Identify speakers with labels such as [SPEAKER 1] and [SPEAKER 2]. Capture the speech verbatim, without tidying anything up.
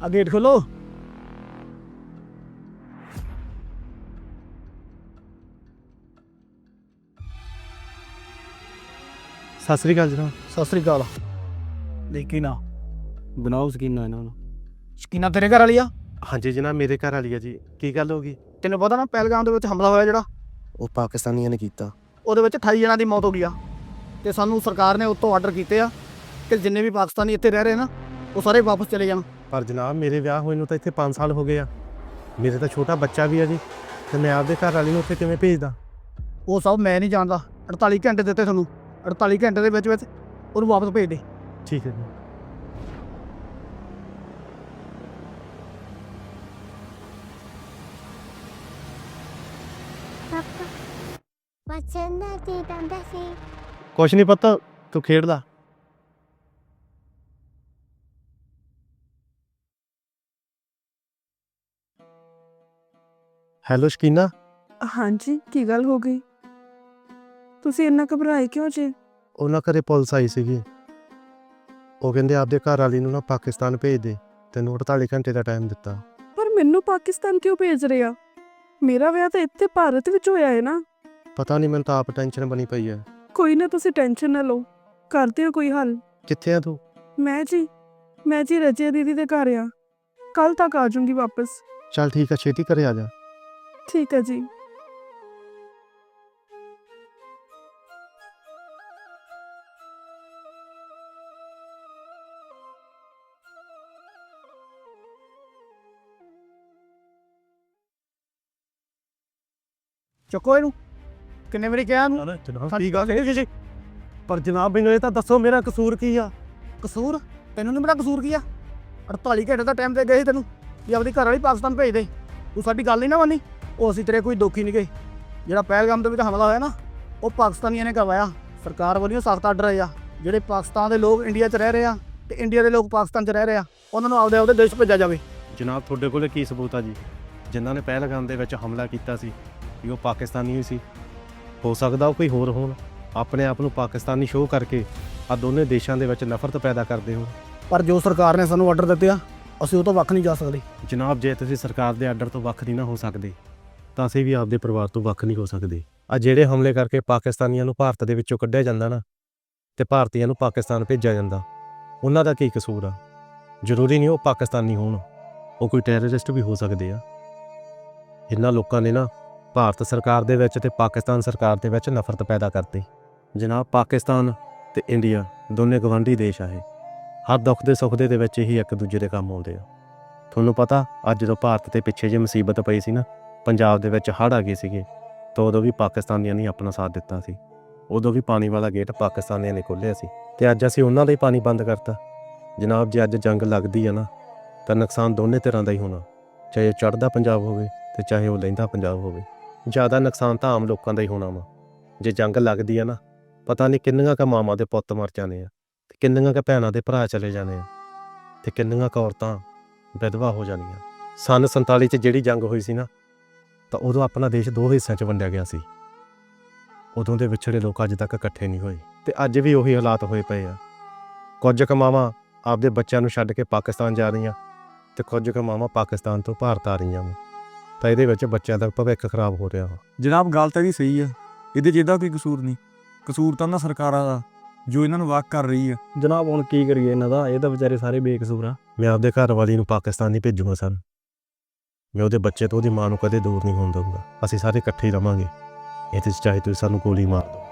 [SPEAKER 1] ਆ ਗੇਟ ਖੋਲੋ।
[SPEAKER 2] ਸਤਿ ਸ੍ਰੀ ਅਕਾਲ ਜਨਾਬ।
[SPEAKER 1] ਸਤਿ ਸ੍ਰੀ ਅਕਾਲ। ਦੇਖੀ ਨਾ
[SPEAKER 2] ਬਣਾਓ ਸਕੀਨਾ ਇਹਨਾਂ ਨੂੰ।
[SPEAKER 1] ਸ਼ਕੀਨਾ ਤੇਰੇ ਘਰ ਵਾਲੀ ਆ?
[SPEAKER 2] ਹਾਂਜੀ ਜਨਾਬ, ਮੇਰੇ ਘਰ ਵਾਲੀ ਆ ਜੀ। ਕੀ ਗੱਲ ਹੋ ਗਈ?
[SPEAKER 1] ਤੈਨੂੰ ਪਤਾ ਨਾ ਪਹਿਲਗਾਮ ਦੇ ਵਿੱਚ ਹਮਲਾ ਹੋਇਆ ਜਿਹੜਾ,
[SPEAKER 2] ਉਹ ਪਾਕਿਸਤਾਨੀਆਂ ਨੇ ਕੀਤਾ।
[SPEAKER 1] ਉਹਦੇ ਵਿੱਚ ਅਠਾਈ ਜਣਾਂ ਦੀ ਮੌਤ ਹੋ ਗਈ ਆ। ਤੇ ਸਾਨੂੰ ਸਰਕਾਰ ਨੇ ਉੱਤੋਂ ਆਰਡਰ ਕੀਤੇ ਆ ਕਿ ਜਿੰਨੇ ਵੀ ਪਾਕਿਸਤਾਨੀ ਇੱਥੇ ਰਹਿ ਰਹੇ ਨਾ ਉਹ ਸਾਰੇ ਵਾਪਸ ਚਲੇ ਜਾਣ।
[SPEAKER 2] ਪਰ ਜਨਾਬ ਮੇਰੇ ਵਿਆਹ ਹੋਏ ਨੂੰ ਤਾਂ ਇੱਥੇ ਪੰਜ ਸਾਲ ਹੋ ਗਏ ਆ। ਮੇਰੇ ਤਾਂ ਛੋਟਾ ਬੱਚਾ ਵੀ ਆ ਜੀ, ਤੇ ਮੈਂ ਆਪਦੇ ਘਰ ਵਾਲੀ ਨੂੰ ਉੱਥੇ ਕਿਵੇਂ ਭੇਜਦਾ?
[SPEAKER 1] ਉਹ ਸਭ ਮੈਂ ਨਹੀਂ ਜਾਣਦਾ। ਅੜਤਾਲੀ ਘੰਟੇ ਦਿੱਤੇ ਤੁਹਾਨੂੰ, ਅੜਤਾਲੀ ਘੰਟੇ ਦੇ ਵਿੱਚ ਵਿੱਚ ਉਹਨੂੰ ਵਾਪਸ ਭੇਜ ਦੇ।
[SPEAKER 2] ਠੀਕ ਹੈ ਜੀ।
[SPEAKER 3] ਪਾਪਾ ਪਸੰਦ ਕੀ ਕਹਿੰਦਾ ਸੀ?
[SPEAKER 2] ਕੁਛ ਨਹੀਂ ਪਤਾ, ਤੂੰ ਖੇਡਦਾ। ਹੈਲੋ ਸ਼ਕੀਨਾ।
[SPEAKER 4] ਹਾਂਜੀ, ਕੀ ਗੱਲ ਹੋ ਗਈ? ਤੁਸੀਂ ਇੰਨਾ ਘਬਰਾਏ ਕਿਉਂ ਜੇ?
[SPEAKER 2] ਉਹਨਾਂ ਘਰੇ ਪੁਲਿਸ ਆਈ ਸੀਗੀ। ਉਹ ਕਹਿੰਦੇ ਆਪਦੇ ਘਰ ਵਾਲੀ ਨੂੰ ਨਾ ਪਾਕਿਸਤਾਨ ਭੇਜ ਦੇ, ਤੈਨੂੰ ਅੜਤਾਲੀ ਘੰਟੇ ਦਾ ਟਾਈਮ ਦਿੱਤਾ।
[SPEAKER 4] ਪਰ ਮੈਨੂੰ ਪਾਕਿਸਤਾਨ ਕਿਉਂ ਭੇਜ ਰਹੇ ਆ? ਮੇਰਾ ਵਿਆਹ ਤਾਂ ਇੱਥੇ ਭਾਰਤ ਵਿੱਚ ਹੋਇਆ ਹੈ ਨਾ।
[SPEAKER 2] ਪਤਾ ਨਹੀਂ, ਮੈਨੂੰ ਤਾਂ ਆਪ ਟੈਨਸ਼ਨ ਬਣੀ ਪਈ ਹੈ।
[SPEAKER 4] ਕੋਈ ਨਾ, ਤੁਸੀਂ ਟੈਨਸ਼ਨ ਨਾ ਲਓ, ਕਰਦੇ ਹੋ ਕੋਈ ਹੱਲ।
[SPEAKER 2] ਕਿੱਥੇ ਆ ਤੂੰ?
[SPEAKER 4] ਮੈਂ ਜੀ ਮੈਂ ਜੀ ਰਜਿਆ ਦੀਦੀ ਦੇ ਘਰ ਆ। ਕੱਲ ਤੱਕ ਆ ਜਾਊਂਗੀ ਵਾਪਸ।
[SPEAKER 2] ਚੱਲ ਠੀਕ ਆ, ਛੇਤੀ ਘਰੇ ਆ ਜਾ।
[SPEAKER 4] ਠੀਕ ਹੈ ਜੀ।
[SPEAKER 1] ਚੁੱਕੋ ਇਹਨੂੰ। ਕਿੰਨੇ ਵਾਰੀ ਕਿਹਾ ਇਹਨੂੰ?
[SPEAKER 2] ਜਨਾਬ ਕੀ ਗੱਲ ਹੈ ਜੀ? ਪਰ ਜਨਾਬ ਮੈਨੂੰ ਇਹ ਤਾਂ ਦੱਸੋ, ਮੇਰਾ ਕਸੂਰ ਕੀ ਆ?
[SPEAKER 1] ਕਸੂਰ? ਤੈਨੂੰ ਨਹੀਂ ਮੇਰਾ ਕਸੂਰ ਕੀ ਆ? ਅੜਤਾਲੀ ਘੰਟੇ ਦਾ ਟਾਈਮ ਦੇ ਗਏ ਸੀ ਤੈਨੂੰ ਵੀ ਆਪਣੀ ਘਰ ਵਾਲੀ ਪਾਕਿਸਤਾਨ ਭੇਜ ਦੇ। ਤੂੰ ਸਾਡੀ ਗੱਲ ਨਹੀਂ ਨਾ ਮੰਨੀ। ਉਹ ਅਸੀਂ ਤੇਰੇ ਕੋਈ ਦੋਖੀ ਨਹੀਂ ਗਏ। ਜਿਹੜਾ ਪਹਿਲਗਾਮ ਦੇ ਵਿੱਚ ਹਮਲਾ ਹੋਇਆ ਨਾ ਉਹ ਪਾਕਿਸਤਾਨੀਆਂ ਨੇ ਕਰਵਾਇਆ। ਸਰਕਾਰ ਵੱਲੋਂ ਸਖਤ ਆਰਡਰ ਆਏ ਆ ਜਿਹੜੇ ਪਾਕਿਸਤਾਨ ਦੇ ਲੋਕ ਇੰਡੀਆ 'ਚ ਰਹਿ ਰਹੇ ਆ ਤੇ ਇੰਡੀਆ ਦੇ ਲੋਕ ਪਾਕਿਸਤਾਨ 'ਚ ਰਹਿ ਰਹੇ ਆ, ਉਹਨਾਂ ਨੂੰ ਆਪਦੇ ਆਪਦੇ ਦੇਸ਼ ਭੇਜਿਆ ਜਾਵੇ।
[SPEAKER 2] ਜਨਾਬ ਤੁਹਾਡੇ ਕੋਲ ਕੀ ਸਬੂਤ ਆ ਜੀ? ਜਿਨ੍ਹਾਂ ਨੇ ਪਹਿਲਗਾਮ ਦੇ ਵਿੱਚ ਹਮਲਾ ਕੀਤਾ ਸੀ ਵੀ ਉਹ ਪਾਕਿਸਤਾਨੀ ਹੀ ਸੀ? ਹੋ ਸਕਦਾ ਉਹ ਕੋਈ ਹੋਰ ਹੋਣ, ਆਪਣੇ ਆਪ ਨੂੰ ਪਾਕਿਸਤਾਨੀ ਸ਼ੋਅ ਕਰਕੇ ਆ ਦੋਨੇ ਦੇਸ਼ਾਂ ਦੇ ਵਿੱਚ ਨਫ਼ਰਤ ਪੈਦਾ ਕਰਦੇ ਹੋ।
[SPEAKER 1] ਪਰ ਜੋ ਸਰਕਾਰ ਨੇ ਸਾਨੂੰ ਆਰਡਰ ਦਿੱਤੇ ਆ ਅਸੀਂ ਉਹ ਤੋਂ ਵੱਖ ਨਹੀਂ ਜਾ ਸਕਦੇ।
[SPEAKER 2] ਜਨਾਬ ਜੇ ਤੁਸੀਂ ਸਰਕਾਰ ਦੇ ਆਰਡਰ ਤੋਂ ਵੱਖ ਨਹੀਂ ਨਾ ਹੋ ਸਕਦੇ ਤਾਂ ਅਸੀਂ ਵੀ ਆਪਦੇ ਪਰਿਵਾਰ ਤੋਂ ਵੱਖ ਨਹੀਂ ਹੋ ਸਕਦੇ। ਆ ਜਿਹੜੇ ਹਮਲੇ ਕਰਕੇ ਪਾਕਿਸਤਾਨੀਆਂ ਨੂੰ ਭਾਰਤ ਦੇ ਵਿੱਚੋਂ ਕੱਢਿਆ ਜਾਂਦਾ ਨਾ ਤੇ ਭਾਰਤੀਆਂ ਨੂੰ ਪਾਕਿਸਤਾਨ ਭੇਜਿਆ ਜਾਂਦਾ, ਉਹਨਾਂ ਦਾ ਕੀ ਕਸੂਰ ਆ? ਜ਼ਰੂਰੀ ਨਹੀਂ ਉਹ ਪਾਕਿਸਤਾਨੀ ਹੋਣ, ਉਹ ਕੋਈ ਟੈਰਰਿਸਟ ਵੀ ਹੋ ਸਕਦੇ ਆ। ਇਹਨਾਂ ਲੋਕਾਂ ਨੇ ਨਾ ਭਾਰਤ ਸਰਕਾਰ ਦੇ ਵਿੱਚ ਤੇ ਪਾਕਿਸਤਾਨ ਸਰਕਾਰ ਦੇ ਵਿੱਚ ਨਫ਼ਰਤ ਪੈਦਾ ਕਰਤੀ। ਜਨਾਬ ਪਾਕਿਸਤਾਨ ਤੇ ਇੰਡੀਆ ਦੋਨੇ ਗਵਾਂਢੀ ਦੇਸ਼ ਆ। ਇਹ ਹਰ ਦੁੱਖ ਦੇ ਸੁੱਖ ਦੇ ਵਿੱਚ ਹੀ ਇੱਕ ਦੂਜੇ ਦੇ ਕੰਮ ਆਉਂਦੇ ਆ। ਤੁਹਾਨੂੰ ਪਤਾ ਅੱਜ ਜਦੋਂ ਭਾਰਤ ਤੇ ਪਿੱਛੇ ਜੇ ਮੁਸੀਬਤ ਪਈ ਸੀ ਨਾ, ਪੰਜਾਬ ਦੇ ਵਿੱਚ ਹੜ੍ਹ ਆ ਗਏ ਸੀਗੇ, ਤਾਂ ਉਦੋਂ ਵੀ ਪਾਕਿਸਤਾਨੀਆਂ ਨੇ ਆਪਣਾ ਸਾਥ ਦਿੱਤਾ ਸੀ। ਉਦੋਂ ਵੀ ਪਾਣੀ ਵਾਲਾ ਗੇਟ ਪਾਕਿਸਤਾਨੀਆਂ ਨੇ ਖੋਲ੍ਹਿਆ ਸੀ ਤੇ ਅੱਜ ਅਸੀਂ ਉਹਨਾਂ ਦਾ ਹੀ ਪਾਣੀ ਬੰਦ ਕਰਤਾ। ਜਨਾਬ ਜੇ ਅੱਜ ਜੰਗ ਲੱਗਦੀ ਆ ਨਾ ਤਾਂ ਨੁਕਸਾਨ ਦੋਨੇ ਤਰ੍ਹਾਂ ਦਾ ਹੀ ਹੋਣਾ, ਚਾਹੇ ਚੜ੍ਹਦਾ ਪੰਜਾਬ ਹੋਵੇ ਤੇ ਚਾਹੇ ਉਹ ਲਹਿੰਦਾ ਪੰਜਾਬ ਹੋਵੇ। ਜ਼ਿਆਦਾ ਨੁਕਸਾਨ ਤਾਂ ਆਮ ਲੋਕਾਂ ਦਾ ਹੀ ਹੋਣਾ ਵਾ। ਜੇ ਜੰਗ ਲੱਗਦੀ ਆ ਨਾ, ਪਤਾ ਨਹੀਂ ਕਿੰਨੀਆਂ ਕੁ ਮਾਵਾਂ ਦੇ ਪੁੱਤ ਮਰ ਜਾਣੇ ਆ, ਤੇ ਕਿੰਨੀਆਂ ਕੁ ਭੈਣਾਂ ਦੇ ਭਰਾ ਚਲੇ ਜਾਣੇ ਆ, ਤੇ ਕਿੰਨੀਆਂ ਕੁ ਔਰਤਾਂ ਵਿਧਵਾ ਹੋ ਜਾਣੀਆਂ। ਸੰਨ ਸੰਤਾਲੀ 'ਚ ਜਿਹੜੀ ਜੰਗ ਹੋਈ ਸੀ ਨਾ, ਤਾਂ ਉਦੋਂ ਆਪਣਾ ਦੇਸ਼ ਦੋ ਹਿੱਸਿਆਂ 'ਚ ਵੰਡਿਆ ਗਿਆ ਸੀ। ਉਦੋਂ ਦੇ ਵਿਛੜੇ ਲੋਕ ਅੱਜ ਤੱਕ ਇਕੱਠੇ ਨਹੀਂ ਹੋਏ ਤੇ ਅੱਜ ਵੀ ਉਹੀ ਹਾਲਾਤ ਹੋਏ ਪਏ ਆ। ਕੁਝ ਕੁ ਮਾਵਾਂ ਆਪਦੇ ਬੱਚਿਆਂ ਨੂੰ ਛੱਡ ਕੇ ਪਾਕਿਸਤਾਨ ਜਾ ਰਹੀਆਂ ਤੇ ਕੁਝ ਕੁ ਮਾਵਾਂ ਪਾਕਿਸਤਾਨ ਤੋਂ ਭਾਰਤ ਆ ਰਹੀਆਂ ਵਾ, ਤਾਂ ਇਹਦੇ ਵਿੱਚ ਬੱਚਿਆਂ ਦਾ ਭਵਿੱਖ ਖਰਾਬ ਹੋ ਰਿਹਾ ਵਾ।
[SPEAKER 5] ਜਨਾਬ ਗੱਲ ਤਾਂ ਇਹਦੀ ਸਹੀ ਆ, ਇਹਦੇ 'ਚ ਇਹਦਾ ਕੋਈ ਕਸੂਰ ਨਹੀਂ। ਕਸੂਰ ਤਾਂ ਉਹਨਾਂ ਸਰਕਾਰਾਂ ਦਾ ਜੋ ਇਹਨਾਂ ਨੂੰ ਵਾਕ ਕਰ ਰਹੀ ਆ।
[SPEAKER 6] ਜਨਾਬ ਹੁਣ ਕੀ ਕਰੀਏ ਇਹਨਾਂ ਦਾ? ਇਹ ਤਾਂ ਵਿਚਾਰੇ ਸਾਰੇ ਬੇਕਸੂਰ ਆ।
[SPEAKER 2] ਮੈਂ ਆਪਦੇ ਘਰ ਵਾਲੀ ਨੂੰ ਪਾਕਿਸਤਾਨ ਨਹੀਂ ਭੇਜੂਗਾ ਸਰ। ਮੈਂ ਉਹਦੇ ਬੱਚੇ ਤੋਂ ਉਹਦੀ ਮਾਂ ਨੂੰ ਕਦੇ ਦੂਰ ਨਹੀਂ ਹੋਣ ਦਊਂਗਾ। ਅਸੀਂ ਸਾਰੇ ਇਕੱਠੇ ਹੀ ਰਵਾਂਗੇ। ਇਹਦੇ 'ਚ ਚਾਹੇ ਤੁਸੀਂ ਸਾਨੂੰ ਗੋਲੀ ਮਾਰ ਦਿਓ।